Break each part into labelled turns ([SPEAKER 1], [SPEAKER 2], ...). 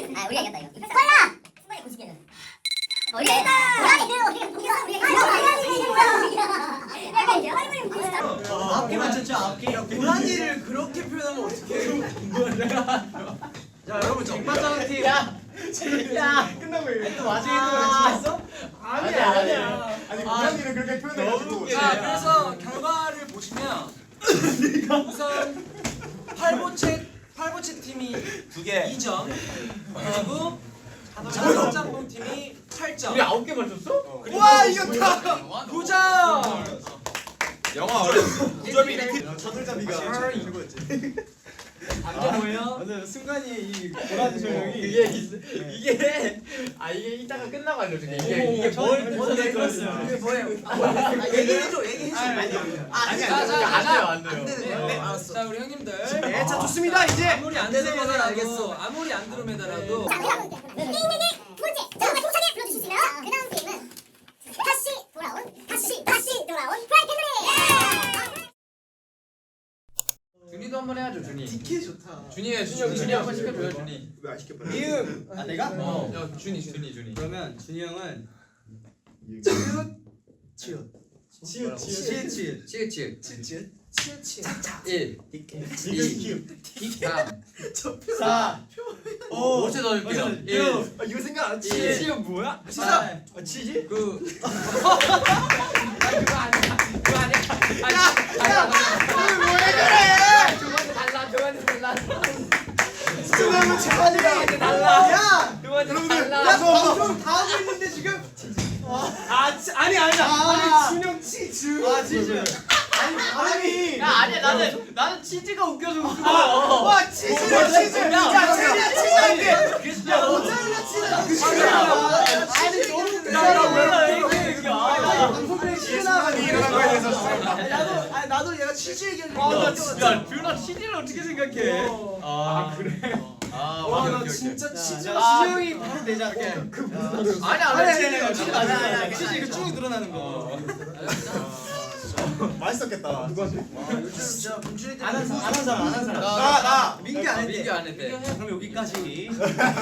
[SPEAKER 1] 아 우리가 이겼다 이거. 빨라. 승관이 고치기는. 우리가
[SPEAKER 2] 아홉 개 맞췄죠? 9개. 고라니를 그렇게 표현하면 어떡해? 자 여러분 정반장 팀. 야 끝나고 또 마지막에 맞췄어? 아니야.
[SPEAKER 3] 아니 고라니를 그렇게 표현해가지고.
[SPEAKER 2] 자 그래서 결과를 보시면 우선 팔보채 팀이 2개 2점 그리고 장성짬뽕 팀이 8점. 우리
[SPEAKER 3] 9개 맞췄어?
[SPEAKER 2] 와 이겼다. 9점.
[SPEAKER 3] 영화 어렸어. 9점이 이렇게 첫글자비가 최고였지.
[SPEAKER 2] 감정 뭐예요?
[SPEAKER 3] 맞아요. 순간이 이 고라니 설명이
[SPEAKER 4] 이게 이따가 끝나고 알려줄게. 이게
[SPEAKER 2] 뭔데
[SPEAKER 4] 들었어요.
[SPEAKER 2] 이게 뭐예요? 얘기해줘.
[SPEAKER 4] 안 돼요.
[SPEAKER 2] 네, 알았어. 자 우리 형님들.
[SPEAKER 3] 네, 자 좋습니다. 이제
[SPEAKER 2] 아무리 안 들으면 알겠어. 아무리 안 들으면라도.
[SPEAKER 1] 자, 그다음 게임 두 번째. 자, 힘차게 불러주실 수 있나요? 그다음 게임은 다시 돌아온 프라이팬들이.
[SPEAKER 4] 준이도 한번 해야죠, 준이.
[SPEAKER 3] 디케 좋다.
[SPEAKER 4] 준이 한번 시켜줘요, 준이.
[SPEAKER 3] 왜 안 시켜봐?
[SPEAKER 2] 이응.
[SPEAKER 3] 아 내가?
[SPEAKER 4] 야, 준이.
[SPEAKER 3] 그러면 준이 형은 치읓.
[SPEAKER 4] 치읓. 1, 2, 3,
[SPEAKER 3] 4,
[SPEAKER 4] 5. 5초 더 줄게요. 1,
[SPEAKER 3] 이거 생각 안
[SPEAKER 4] 치읓
[SPEAKER 3] 뭐야?
[SPEAKER 4] 치사.
[SPEAKER 3] 치즈?
[SPEAKER 4] 9. 그거 아니야. 저번에 달라.
[SPEAKER 3] 그러면 재환이가
[SPEAKER 4] 달라.
[SPEAKER 3] 야!
[SPEAKER 4] 저번에
[SPEAKER 3] 여러분들
[SPEAKER 4] 달라.
[SPEAKER 3] 야 방송 다 하고 있는데 지금 아니야 준영 치즈 치즈 아니 바람이
[SPEAKER 4] 아니야, 나는 치즈가 웃겨서 웃은 거야.
[SPEAKER 3] 와 치즈야 치즈 야 치즈야 치즈인데 야 모짜렐라 치즈 아니 너무 방송국에 치즈나가니 일어난 거에 대해서 나도 얘가 치즈 얘기하려고
[SPEAKER 4] 야, 뷰나 치즈를 어떻게 생각해? 아, 그래?
[SPEAKER 3] 와나 진짜 치즈
[SPEAKER 2] 형이 바로 내자.
[SPEAKER 4] 아니야.
[SPEAKER 3] 치즈 이거 쭉 늘어나는 거 맛있었겠다
[SPEAKER 2] 요즘 진짜 분출이
[SPEAKER 3] 안 한 사람
[SPEAKER 2] 나
[SPEAKER 3] 민규 안
[SPEAKER 4] 민규 안 했대.
[SPEAKER 3] 그럼 여기까지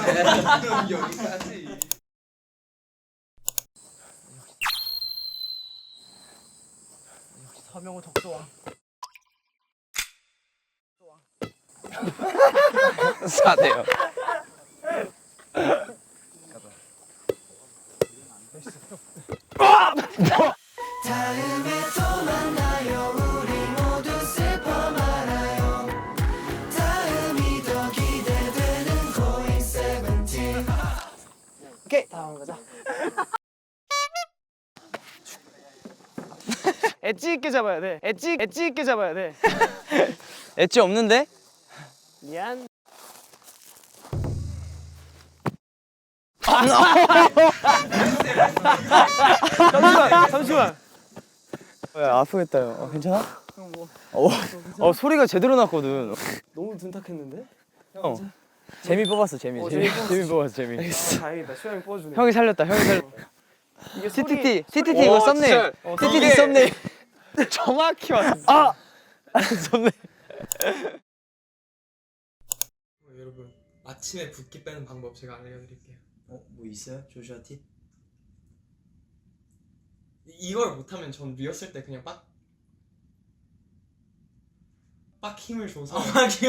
[SPEAKER 2] 서명호 덕소왕.
[SPEAKER 4] 4대요.
[SPEAKER 2] 다음에 또 만나요. 우리 모두 슬퍼 말아요. 다음이 더 기대되는 고잉 세븐틴. 오케이 다음 가자. 엣지 있게 잡아야 돼. 엣지 있게 잡아야 돼.
[SPEAKER 4] 엣지 없는데?
[SPEAKER 2] 미안. 잠시만.
[SPEAKER 4] 야, 아프겠다. 괜찮아? 소리가 제대로 났거든.
[SPEAKER 2] 너무 둔탁했는데?
[SPEAKER 4] 재미 뽑았어, 재미 뽑았어.
[SPEAKER 2] 다행이다. 수영이 뽑아주네.
[SPEAKER 4] 형이 살렸다.
[SPEAKER 2] 이게
[SPEAKER 4] CTT 이거 썸네일. CTT 썸네일. 정확히 왔어. 썸네일.
[SPEAKER 5] 여러분 아침에 붓기 빼는 방법 제가 알려드릴게요.
[SPEAKER 3] 뭐 있어요? 조슈아 팁?
[SPEAKER 5] 이걸 못하면 전 리허설 때 그냥 빡 힘을 줘서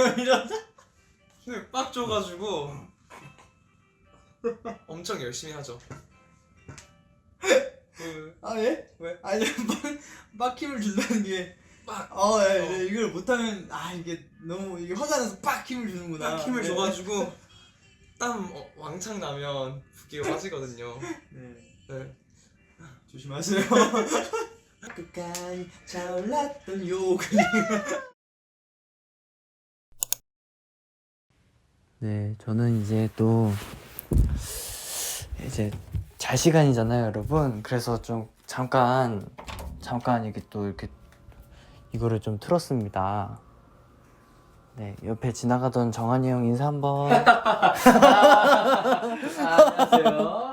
[SPEAKER 5] 힘을 빡 줘가지고 엄청 열심히 하죠.
[SPEAKER 3] 예? 왜? 아니 빡 힘을 준다는 게 이걸 못하면 이게 너무 이게 화가 나서 빡 힘을 주는구나.
[SPEAKER 5] 빡 힘을 줘가지고 땀 왕창 나면 붓기가 빠지거든요. 네.
[SPEAKER 3] 조심하세요. 끝까지 차올랐던 욕.
[SPEAKER 4] 네, 저는 이제 또 잘 시간이잖아요, 여러분. 그래서 좀 잠깐 이렇게 또 이렇게 이거를 좀 틀었습니다. 네, 옆에 지나가던 정한이 형 인사 한번. 안녕하세요.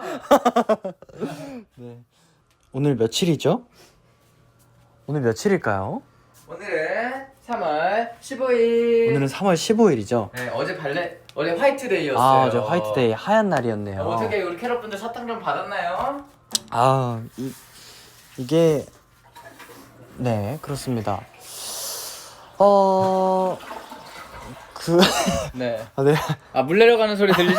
[SPEAKER 4] 네. 오늘 며칠이죠? 오늘 며칠일까요?
[SPEAKER 6] 오늘은 3월 15일.
[SPEAKER 4] 오늘은 3월 15일이죠.
[SPEAKER 6] 네, 어제 발레 어제 화이트데이였어요.
[SPEAKER 4] 아, 저 화이트데이 하얀 날이었네요.
[SPEAKER 6] 어떻게 우리 캐럿분들 사탕 좀 받았나요?
[SPEAKER 4] 아, 이게 네, 그렇습니다.
[SPEAKER 6] 네.
[SPEAKER 4] 네.
[SPEAKER 6] 아, 물 내려가는 소리 들리죠?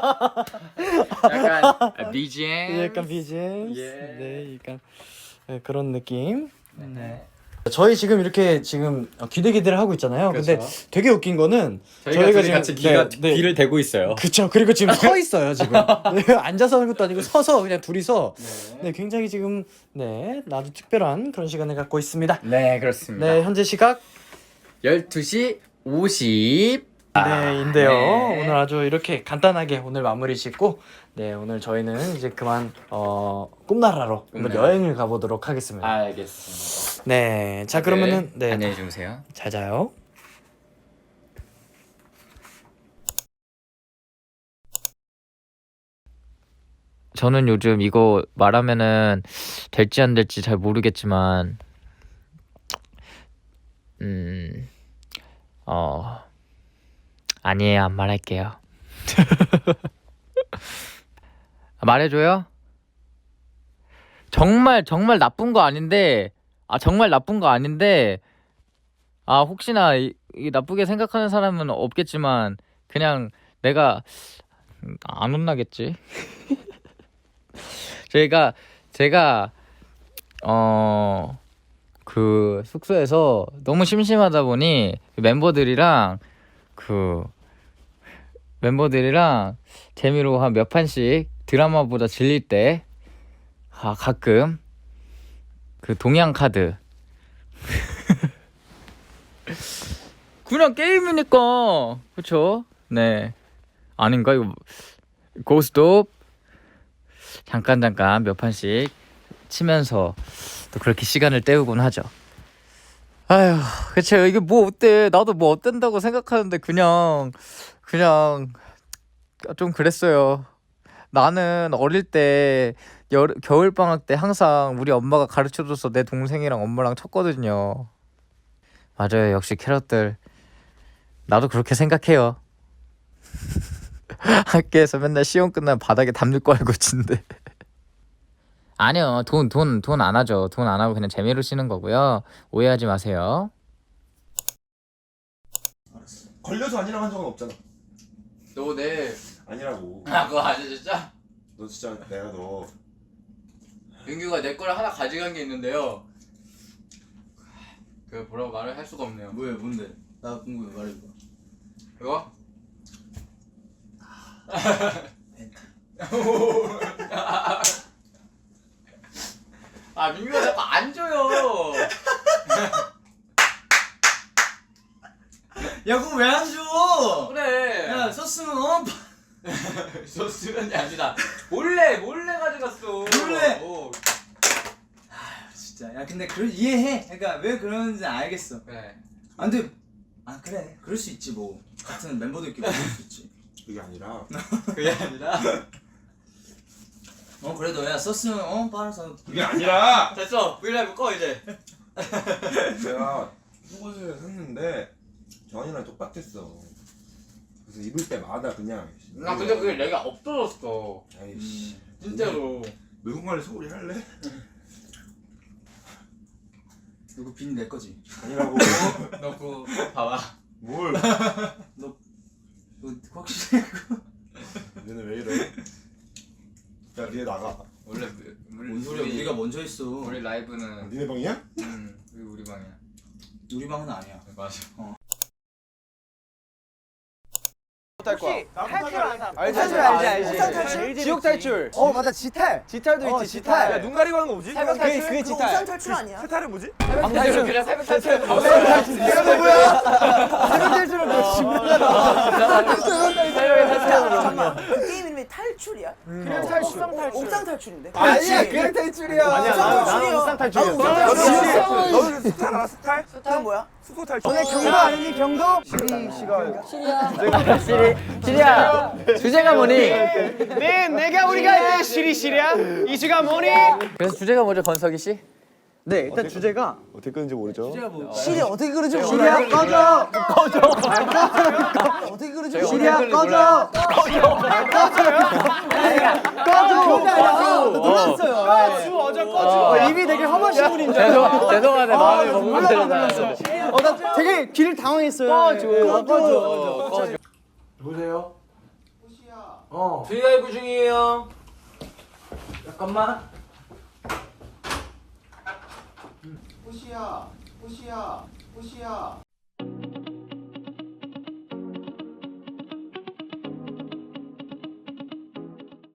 [SPEAKER 6] 약간 BGM.
[SPEAKER 4] 약간 BGM.
[SPEAKER 6] 예.
[SPEAKER 4] 네, 약간 네, 그런 느낌.
[SPEAKER 6] 네.
[SPEAKER 4] 저희 지금 이렇게 지금 기대기대를 하고 있잖아요. 근데 되게 웃긴 거는 저희가 지금
[SPEAKER 6] 같이
[SPEAKER 4] 귀를
[SPEAKER 6] 대고 있어요.
[SPEAKER 4] 그쵸. 그리고 지금 서 있어요, 지금. 네, 앉아서 하는 것도 아니고 서서 그냥 둘이서 네, 굉장히 지금 네, 나도 특별한 그런 시간을 갖고 있습니다.
[SPEAKER 6] 네, 그렇습니다.
[SPEAKER 4] 네, 현재 시각
[SPEAKER 6] 12시 50.
[SPEAKER 4] 네인데요.
[SPEAKER 6] 네.
[SPEAKER 4] 오늘 아주 이렇게 간단하게 오늘 마무리 짓고 네, 오늘 저희는 이제 그만 꿈나라로 한번
[SPEAKER 6] 꿈나라.
[SPEAKER 4] 여행을 가보도록 하겠습니다.
[SPEAKER 6] 알겠습니다.
[SPEAKER 4] 네, 자 그러면은 네,
[SPEAKER 6] 안녕히 주무세요.
[SPEAKER 4] 잘 자요.
[SPEAKER 6] 저는 요즘 이거 말하면은 될지 안 될지 잘 모르겠지만 아니에요. 안 말할게요. 말해줘요? 정말 나쁜 거 아닌데 정말 나쁜 거 아닌데 혹시나 이 나쁘게 생각하는 사람은 없겠지만 그냥 내가 안 혼나겠지. 제가 그 숙소에서 너무 심심하다 보니 멤버들이랑 재미로 한 몇 판씩 드라마보다 질릴 때 가끔 그 동양 카드 그냥 게임이니까 그쵸? 네 아닌가 이거 고스톱 잠깐 몇 판씩 치면서 또 그렇게 시간을 때우곤 하죠. 아휴 그쵸 이게 뭐 어때 나도 뭐 어땠다고 생각하는데 그냥 좀 그랬어요. 나는 어릴 때 겨울방학 때 항상 우리 엄마가 가르쳐줘서 내 동생이랑 엄마랑 쳤거든요. 맞아요. 역시 캐럿들 나도 그렇게 생각해요. 학교에서 맨날 시험 끝나면 바닥에 담요 깔고 친대. 아니요. 돈 안 하죠. 돈 안 하고 그냥 재미로 치는 거고요. 오해하지 마세요.
[SPEAKER 7] 걸려서 아니라고 한 적은 없잖아.
[SPEAKER 6] 너 내일
[SPEAKER 7] 아니라고.
[SPEAKER 6] 그거 아니야 진짜?
[SPEAKER 7] 너 진짜 내가 너
[SPEAKER 6] 윤규가 내 거를 하나 가져간 게 있는데요. 그 뭐라고 말을 할 수가 없네요.
[SPEAKER 3] 뭐야, 뭔데? 나 궁금해, 말해봐.
[SPEAKER 6] 이거? 민규가 자꾸 안 줘요.
[SPEAKER 3] 야, 그거 왜 안 줘?
[SPEAKER 6] 그래.
[SPEAKER 3] 야, 썼으면
[SPEAKER 6] 소스면이 아니라 몰래 가져갔어.
[SPEAKER 3] 몰래?
[SPEAKER 6] 진짜.
[SPEAKER 3] 야, 근데 이해해. 그러니까 왜 그러는지 알겠어.
[SPEAKER 6] 그래.
[SPEAKER 3] 근데 그래. 그럴 수 있지 뭐. 같은 멤버들끼리 그럴 수 있지.
[SPEAKER 7] 그게 아니라
[SPEAKER 6] 그게 아니라.
[SPEAKER 3] 그래도 야, 썼으면 빨아서.
[SPEAKER 7] 그게 아니라
[SPEAKER 6] 됐어. 브이라이브 꺼 이제.
[SPEAKER 7] 내가 속옷을 샀는데 정한이랑 똑같았어. 그래서 입을 때마다 그냥
[SPEAKER 6] 근데 그게 내가 없어졌어.
[SPEAKER 7] 아이씨
[SPEAKER 6] 진짜로.
[SPEAKER 7] 누군가를 소리 할래?
[SPEAKER 3] 누구 빈 내 거지.
[SPEAKER 7] 아니라고.
[SPEAKER 6] 너 그거 봐봐.
[SPEAKER 7] 뭘?
[SPEAKER 3] 너 확실해 그거?
[SPEAKER 7] 얘는 왜 이래? 야 니네 나가.
[SPEAKER 6] 원래
[SPEAKER 3] 뭔 소리야? 우리가 먼저 했어.
[SPEAKER 6] 우리 라이브는
[SPEAKER 7] 니네 방이야?
[SPEAKER 6] 우리 방이야.
[SPEAKER 3] 우리 방은 아니야.
[SPEAKER 6] 맞아.
[SPEAKER 2] 알지. 지옥 탈출.
[SPEAKER 8] 맞아 지탈.
[SPEAKER 2] 지탈도 있지. 지탈.
[SPEAKER 8] 야, 눈 가리고 하는 거 뭐지?
[SPEAKER 2] 새벽 탈출. 그게 지탈.
[SPEAKER 8] 우산 탈출 아니야? 세탈은 뭐지?
[SPEAKER 6] 방탈출 그냥 새벽 탈출.
[SPEAKER 8] 이거 뭐야? 세탈 탈출은 뭐 잠깐만. 그 게임 이름이 탈출이야?
[SPEAKER 2] 그냥 탈출.
[SPEAKER 8] 옥상 탈출인데.
[SPEAKER 2] 아니야, 그냥 탈출이야.
[SPEAKER 8] 아니야, 나는 옥상
[SPEAKER 2] 탈출이었어.
[SPEAKER 8] 너는 스탈 알아? 스탈? 스탈 뭐야? 수소 탈출.
[SPEAKER 2] 너네 경도 아니니 경도?
[SPEAKER 6] 시리야. 주제가 뭐니?
[SPEAKER 2] 내가 우리가 할 때 시리야? 이주가 뭐니?
[SPEAKER 6] 그래서 주제가 뭐죠, 건석이 씨?
[SPEAKER 8] 네, 일단 주제가
[SPEAKER 7] 어떻게 끄는지 모르죠.
[SPEAKER 8] 시리 어떻게 그러지 몰라요. 시리야 꺼져. 어떻게 그러지 몰라요. 시리야 꺼져. 꺼져. 놀랐어요.
[SPEAKER 2] 어제 꺼져.
[SPEAKER 8] 입이 되게 험하신 분인 줄 알았어요.
[SPEAKER 6] 죄송하네 마음이 너무
[SPEAKER 8] 몰랐어요. 나 되게 길을 당황했어요. 꺼져.
[SPEAKER 2] 보세요.
[SPEAKER 5] 브이라이브 중이에요.
[SPEAKER 2] 잠깐만.
[SPEAKER 3] 호시야.